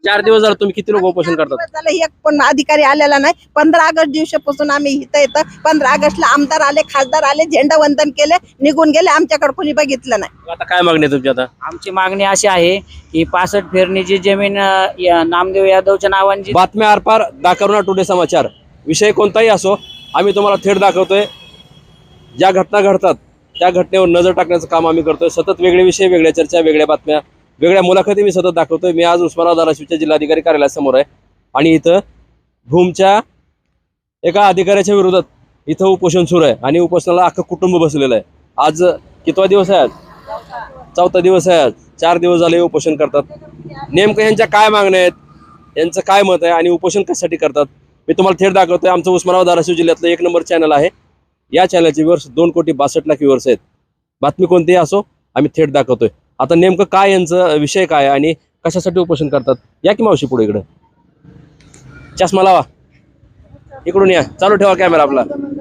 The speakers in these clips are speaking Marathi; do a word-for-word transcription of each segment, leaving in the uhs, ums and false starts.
चार दिवस झाले तुम्ही किती लोक उपोषण करतात? झालं एक पण अधिकारी आलेला नाही. पंधरा ऑगस्ट दिवसापासून आम्ही इथं येतं. पंधरा ऑगस्टला आमदार आले, खासदार आले, झेंडा वंदन केले, निघून गेले. आमच्याकडे कोणी बघितलं नाही. आता काय मागणी आहे तुमची? आता आमची मागणी अशी आहे की पासष्ट फेरणीची जमीन अ, या नामदेव यादवच्या नावांची. बातम्या आरपार दाखवणार टुडे समाचार. विषय कोणताही असो, आम्ही तुम्हाला थेट दाखवतोय. ज्या घटना घडतात त्या घटनेवर नजर टाकण्याचं काम आम्ही करतोय. सतत वेगळे विषय, वेगळ्या चर्चा, वेगळ्या बातम्या, वेगळ्या मुलाखती मी सतत दाखवतोय. मी आज उस्मानाबाद धाराशिवच्या जिल्हाधिकारी कार्यालयासमोर आहे आणि इथं भूमच्या एका अधिकाऱ्याच्या विरोधात इथं उपोषण सुरू आहे आणि उपोषणाला अख्खं कुटुंब बसलेलं आहे. आज कितवा दिवस आहे? आज चौथा दिवस आहे. आज चार दिवस झाले उपोषण करतात. नेमकं यांच्या काय मागण्या आहेत, यांचं काय मत आहे आणि उपोषण कशासाठी करतात मी तुम्हाला थेट दाखवतोय. आमचं उस्मानाबाद धाराशिव जिल्ह्यातलं एक नंबर चॅनल आहे. या चॅनलचे व्ह्यूअर्स दोन कोटी बासष्ट लाख व्ह्यूअर्स आहेत. बातमी कोणतीही असो आम्ही थेट दाखवतोय. आता नेमकं काय यांचं विषय काय आणि कशासाठी उपोषण करतात, या की मावशी पुढे इकडं. चष्मा लावा, इकडून या, चालू ठेवा कॅमेरा आपला.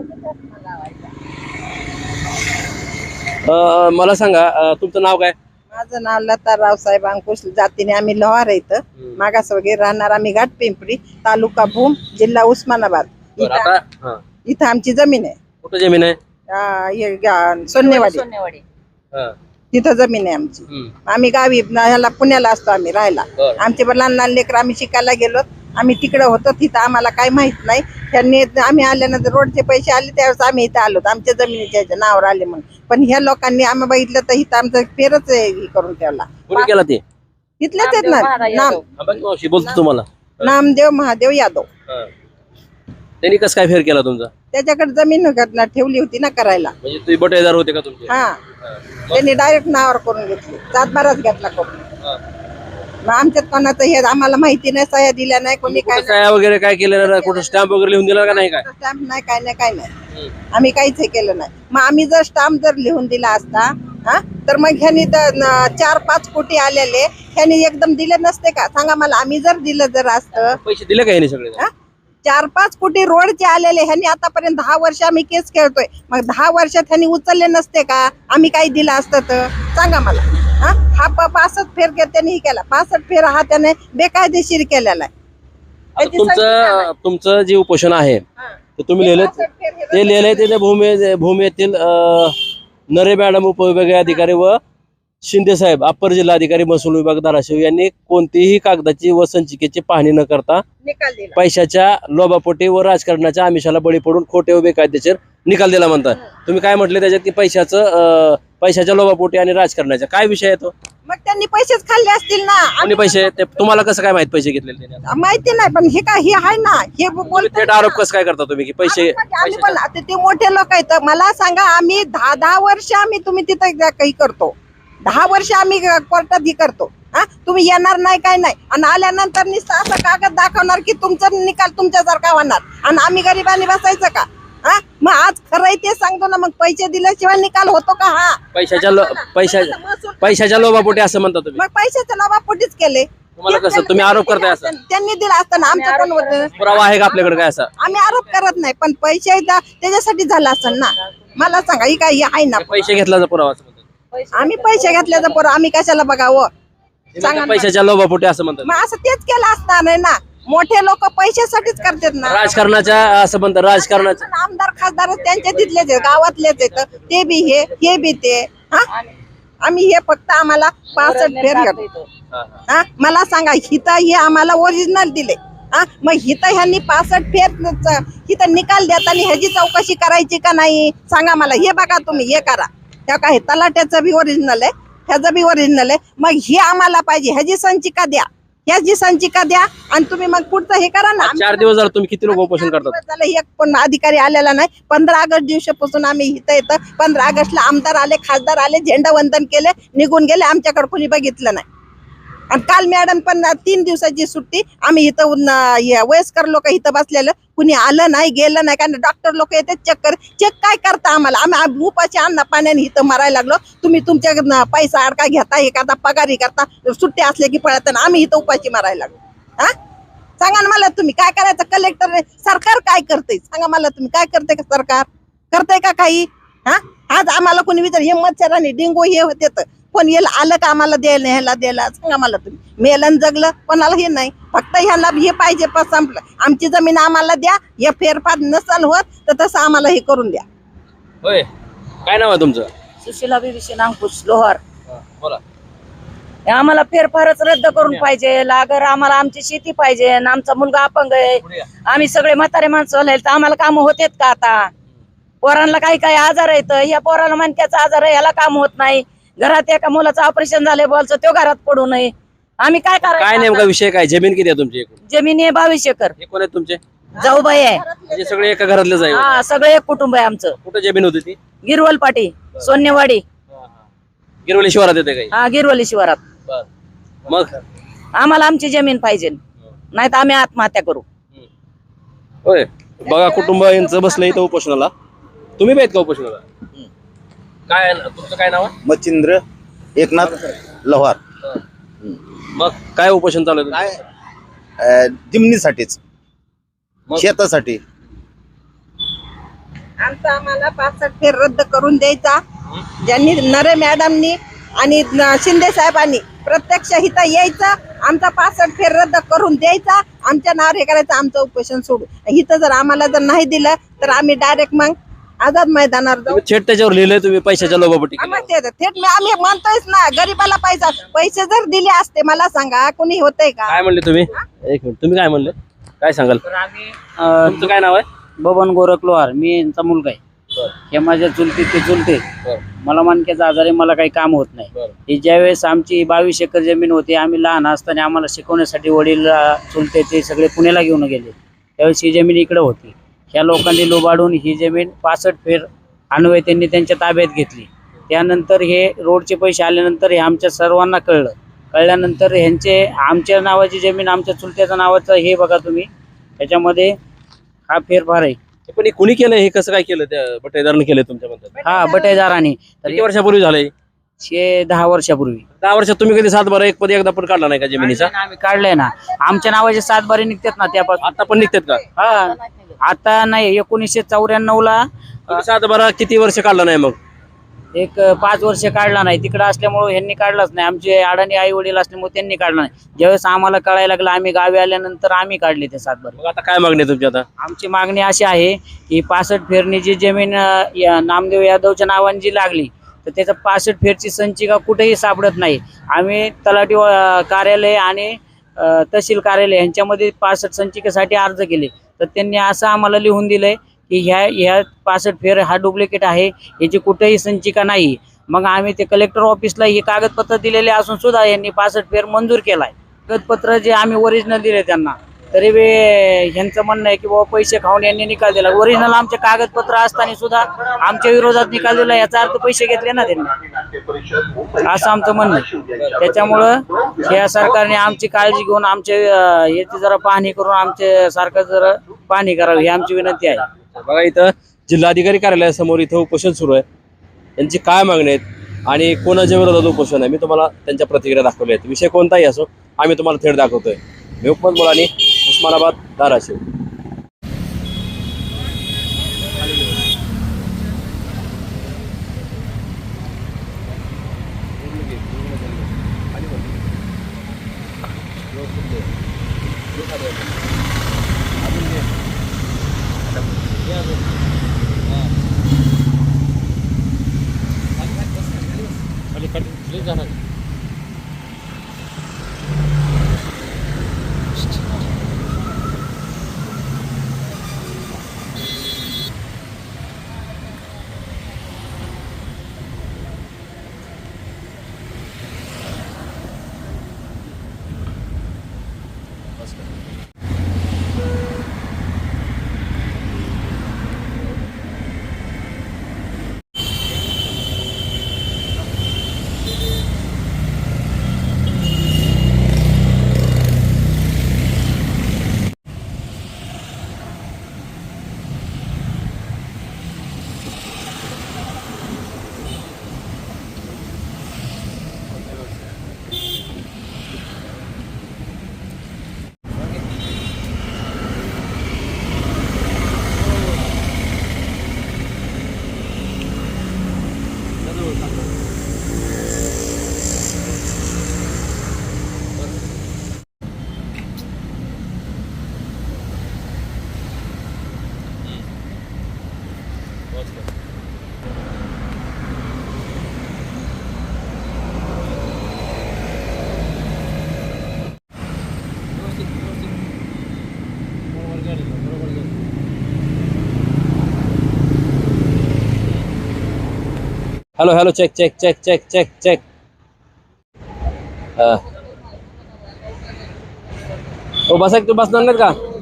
अं, मला सांगा अं, तुमचं नाव काय? माझं नाव लता रावसाहेब अंकुश जातीने आम्ही लोहार इथं मागास वगैरे राहणार. आम्ही घाट पिंपरी, तालुका भूम, जिल्हा उस्मानाबाद. बरं, इथं आता हां, इथं आमची जमीन आहे. कुठं जमीन आहे? अं, हे गा- सोन्नेवाडी हां, तिथं जमीन आहे आमची. हम्म, आम्ही गावी न- ह्याला पुण्याला असतो आम्ही राहायला. बरं. आमचे पण लहान लहान लेकर आम्ही शिकायला गेलो. आम्ही तिकडे होतो, तिथं आम्हाला काही माहित नाही. त्यांनी आम्ही आल्यानंतर रोडचे पैसे आले त्यावेळेस आम्ही इथं आलो. आमच्या जमिनीच्या ह्याच्या नावावर आले म्हणून. पण ह्या लोकांनी आम्ही बघितलं तर इथं आमचं फेरच हे करून ठेवला. कोणी केला ते? तिथलेच आहेत ना, नाम हा, बघ मावशी बोलतो तुम्हाला. नामदेव महादेव यादव. हां. त्यांनी कसं काय फेर केला तुमचा? त्याच्याकडे जमीन घटना ठेवली होती ना करायला. म्हणजे तुम्ही बटेदार होते का तुमचे? हा, त्यांनी डायरेक्ट नावावर करून घेतली. सातबाराच घेतला करून. हां. मग आमच्यात कोणाचं हे आम्हाला माहिती नाही, सह्या दिल्या नाही, कोणी काय कुठं काय वगैरे काय केलेलं नाही? कुठं स्टॅम्प वगैरे लिहून दिला का नाही? काय स्टॅम्प नाही, काय नाही, काय नाही. आम्ही काहीच हे केलं नाही. मग आम्ही जर स्टॅम्प जर लिहून दिला असता हा तर मग ह्यांनी तर न- चार पाच कोटी आलेले ह्यांनी एकदम दिले नसते का? सांगा मला. आम्ही जर दिलं जर असतं, पैसे दिले का ह्याने सगळे? हा? चार पाच कोटी रोडचे आलेले ह्यांनी आतापर्यंत दहा वर्ष आम्ही केस खेळतोय. मग दहा वर्षात ह्यांनी उचलले नसते का? आम्ही काही दिलं असतं तर सांगा मला. हा हा प- पासष्ट फेर के- त्यांनी केला. पासष्ट फेर हा त्याने बेकायदेशीर केलेला आहे. आता त्याची संख्या तुमचं नाही. तुमचं जे उपोषण आहे हा. ते तुम्ही लिहिलं, पासष्ट फेर हे ते लिहिलंय ते भूमी भूमी येथील अं, नरे मॅडम उपविभागीय अधिकारी व शिंदे साहेब अप्पर जिल्हाधिकारी महसूल विभाग धाराशिव यांनी कोणतीही कागदाची व संचिकेची पाहणी न करता निकाल दिला. पैशाच्या लोभापोटी व राजकारणाच्या आमिषाला बळी पडून खोटे व बेकायदेशीर निकाल दिला म्हणतात. तुम्ही काय म्हटले त्याच्यात की पैशाचं अं, पैशाच्या लोभापोटी आणि राजकारणाचा काय विषय आहे तो? मग त्यांनी पैसेच खाल्ले असतील ना. कोणी पैसे ते तुम्हाला कसं काय माहित पैसे घेतलेले त्याने? माहिती नाही, पण हे काय हे आहे ना, हे तुम्ही बोलतात थेट ना. आरोप कसं काय करता तुम्ही की पैसे आम्ही आम्ही पण आता ते मोठे लोक आहेत. मला सांगा, आम्ही दहा दहा वर्ष आम्ही तुम्ही तिथं जा- काही करतो. दहा वर्ष आम्ही कोर्टात ही करतो. हा, तुम्ही येणार नाही, काय नाही, आणि आल्यानंतर नुसतं असं कागद दाखवणार की तुमचा निकाल तुमच्यासारखा होणार आणि आम्ही गरिबांनी बसायचं का? हा, मग आज खरं आहे ते सांगतो ना. मग पैसे दिल्याशिवाय निकाल होतो का? हा, पैशाच्या लो- पैशाच्या महसूल- पैशाच्या लोभापोटी असं म्हणता तुम्ही? मग पैशाच्या लोभापोटीच केले. तुम्हाला कसं तुम्ही आरोप करताय असं? त्यांनी दिला असताना आमचं कोण होतं? पुरावा आहे का आपल्याकडे काय असा? आम्ही आरोप करत नाही, पण पैसे दा- त्याच्यासाठी झाला असेल ना. मला सांगा, ही काय हे आहे ना. पैसे घेतल्याचा पुरावा असं म्हणतात. आम्ही पैसे घेतल्याचं पोरं आम्ही कशाला बघावं? ते सांगा म्हणतात ना. पैशाच्या लोभापोटी असं म्हणतात. मग असं तेच केलं असणार नाही ना. मोठे लोक पैशासाठीच करतात ना. राजकारणाच्या असं म्हणतात राजकारणाच्या. पण आमदार खासदार त्यांच्या तिथलेच आहेत, गावातलेच आहेत. ते बी हे हे बी ते. हा, आम्ही हे फक्त आम्हाला पासष्ट फेर घेतो. हा, हा. हा, मला सांगा, हिथं हे आम्हाला ओरिजिनल दिले. हा, मग हिथं ह्यांनी पासष्ट फेर च- हिथं निकाल देताना ह्याची चौकशी करायची का नाही? सांगा मला. हे बघा तुम्ही, हे करा. त्या काय तलाट्याचं बी ओरिजिनल आहे, ह्याचं बी ओरिजिनल आहे. मग हे आम्हाला पाहिजे, ह्याची संचिका द्या, ह्याची संचिका द्या, आणि तुम्ही मग पुढचं हे करा ना. चार दिवस झाले तुम्ही किती लोक उपोषण करतात? झालं, एक पण अधिकारी आलेला नाही. पंधरा ऑगस्ट दिवसापासून आम्ही इथं येतं. पंधरा ऑगस्टला आमदार आले, खासदार आले, झेंडा वंदन केले, निघून गेले. आमच्याकडे कोणी बघितलं नाही. आणि काल मॅडम पण तीन दिवसाची सुट्टी. आम्ही इथं उन- हे वयस्कर लोक इथं बसलेलं, कुणी आलं नाही, गेलं नाही. कारण डॉक्टर लोक येतात चेक कर. चेक काय करता आम्हाला? आम्ही उपाशी अन्न पाण्याने इथं मरायला लागलो. तुम्ही तुमच्या न- पैसा अडका घेता, हे करता, पगारी करता, सुट्टी असले की पळत, आम्ही इथं उपाशी मरायला लागलो. हा, सांगा ना मला तुम्ही काय करायचं? कलेक्टर सरकार काय करते? सांगा मला तुम्ही, काय करते का सरकार? करते का काही? हा, आज आम्हाला कोणी विचार, हे मच्छर आणि डेंगू हे होते तर कोण येईल आलं का आम्हाला द्यायला ह्याला द्यायला सांगा मला तुम्ही. मेलन जगलं कोणाला हे नाही, फक्त ह्याला हे पाहिजे पण संपलं. आमची जमीन आम्हाला द्या, हे फेरफार नसल होत तर तसं आम्हाला हे करून द्या. होय, काय नाव आहे तुमचं? सुशीला बिबिशन अंकुश लोहार. हा, बोला. आम्हाला फेरफारच रद्द करून पाहिजे. अगर आम्हाला आमची शेती पाहिजे, आणि आमचा मुलगा अपंग आहे, पुढे या. आम्ही सगळे म्हातारे माणसं झाले तर आम्हाला काम होतेत का? आता पोरांना काही काही आजार आहेत, ह्या पोराला मणक्याचा आजार आहे, ह्याला काम होत नाही. घरात एका मुलाचं ऑपरेशन झाले बोलचं, तो घरात पडू नये. आम्ही काय काय करायचं नेमका आता? विषय काय? जमीन किती आहे तुमची एकूण? जमीन आहे बावीस एकर. हे कोण आहेत तुमचे? जाऊबाई आहे. म्हणजे सगळे एका घरातलेच आहे? हा, सगळे एक कुटुंब आहे आमचं. कुठं जमीन होती ती? गिरवल पाटी, सोन्यवाडी. गिरवली शिवारात येते काही? हा, गिरवली शिवारात. बर. मग आम्हाला आमची जमीन पाहिजे, नाही तर आम्ही आत्महत्या करू. होय, बघा कुटुंब यांचं बसलं इथं उपोषणाला. तुम्ही बी आहेत का उपोषणाला? काय तुमचं काय नाव आहे? मच्छिंद्र एकनाथ लोहार. मग काय उपोषण चालू आहे? काय अं, जिमनीसाठीच, मग? शेतासाठी. आमचा आम्हाला पासष्ट फेर रद्द करून द्यायचा. ज्यांनी नरे मॅडमनी आणि न- शिंदे साहेबांनी प्रत्यक्ष इथं यायचं, आमचा पासष्ट फेर रद्द करून द्यायचा, आमच्या नावावर हे करायचं, आमचं उपोषण सोडू. इथं जर आम्हाला जर नाही दिलं तर आम्ही डायरेक्ट मग आझाद मैदानावर जाऊ. तुम्ही थेट त्याच्यावर लिहिलंय तुम्ही पैशाच्या लोभापोटी केलं. आम्हाला ते- थेट मी आम्ही म्हणतोयच ना, गरीबाला पैसा पैसे जर दिले असते मला सांगा कोणी होतंय का? काय म्हणले तुम्ही? एक मिनिट, तुम्ही काय म्हणले? काय सांगाल? तर आम्ही अं, तुमचं काय नाव आहे? बबन गोरख लोहार, मी यांचा मुलगा आहे. हे माझ्या चुलते ते चुलते. मला मणक्याचा आजार आहे, मला काही काम होत नाही. हे ज्यावेळेस आमची बावीस एकर जमीन होती, आम्ही लहान असताना आम्हाला शिकवण्यासाठी वडील अं, चुलते ते सगळे पुण्याला घेऊन गेले. त्यावेळेस ही जमीन इकडे होती. ह्या लोकांनी लोबाडून ही जमीन पासष्ट फेर अन्वय त्यांनी त्यांच्या ताब्यात घेतली. त्यानंतर हे रोडचे पैसे आल्यानंतर हे आमच्या सर्वांना कळलं. कळल्यानंतर ह्यांचे आमच्या नावाची जमीन आमच्या चुलत्याच्या नावाचं हे बघा तुम्ही, त्याच्यामध्ये हा फेरफार आहे. पण हे कुणी केलं? हे कसं काय केलं? त्या बटेदारांनी केलं तुमच्या म्हणतात? हा, बटेदारांनी. तर किती वर्षापूर्वी झालंय? हे दहा वर्षापूर्वी दहा वर्षात तुम्ही कधी सात बारा एक पदी एकदा पण काढला नाही का जमिनीचा? आम्ही काढलंय ना. आमच्या नावाचे सात बारे निघतात ना त्यापासून. आता पण निघतात का? हा, आता नाही, एकोणीसशे चौऱ्याण्णव ला तुम्ही सात बारा किती वर्ष काढला नाही? मग एक पाच वर्ष काढला नाही. तिकडे असल्यामुळे ह्यांनी काढलाच नाही. आमचे अडाणी आई वडील असल्यामुळे त्यांनी काढला नाही. ज्यावेळेस आम्हाला कळायला लागलं, आम्ही गावी आल्यानंतर आम्ही काढले ते सात बारे. मग आता काय मागणी आहे तुमची? आता आमची मागणी अशी आहे की पासष्ट फेरणी जी जमीन अं, या नामदेव यादवच्या नावाने जी लागली, तर त्याचं पासष्ट फेरची संचिका कुठेही सापडत नाही. आम्ही तलाठी अं, कार्यालय आणि अं, तहसील कार्यालय यांच्यामध्ये पासष्ट संचिकेसाठी अर्ज केले, तर त्यांनी असं आम्हाला लिहून दिलंय की ह्या ह्या पासष्ट फेर हा डुप्लिकेट आहे, याची कुठेही संचिका नाही. मग आम्ही ते कलेक्टर ऑफिसला हे कागदपत्र दिलेले असून सुद्धा यांनी पासष्ट फेर मंजूर केलाय. कागदपत्र जे आम्ही ओरिजिनल दिले त्यांना, तरी बी ह्यांचं म्हणणं आहे की बाबा पैसे खाऊन यांनी निकाल दिला. ओरिजिनल आमचे कागदपत्र असताना सुद्धा आमच्या विरोधात निकाल दिला, याचा अर्थ पैसे घेतले ना त्यांनी, असं आमचं म्हणणं आहे. त्याच्यामुळं या सरकारने आमची काळजी घेऊन आमचे अं, याची जरा पाहणी करून आमचे सरकार जरा पाहणी करावी ही आमची विनंती आहे. बघा, इथं जिल्हाधिकारी कार्यालयासमोर इथं उपोषण सुरू आहे. त्यांची काय मागणी आहेत आणि कोणाच्या विरोधात उपोषण आहे, मी तुम्हाला त्यांच्या प्रतिक्रिया दाखवल्या आहेत. विषय कोणताही असो, आम्ही तुम्हाला थेट दाखवतोय. मी Hukmat Mulani, Osmanabad, Dharashiv. Hello hello check check check check check check हो बसा की, तू बसणार नाहीत का?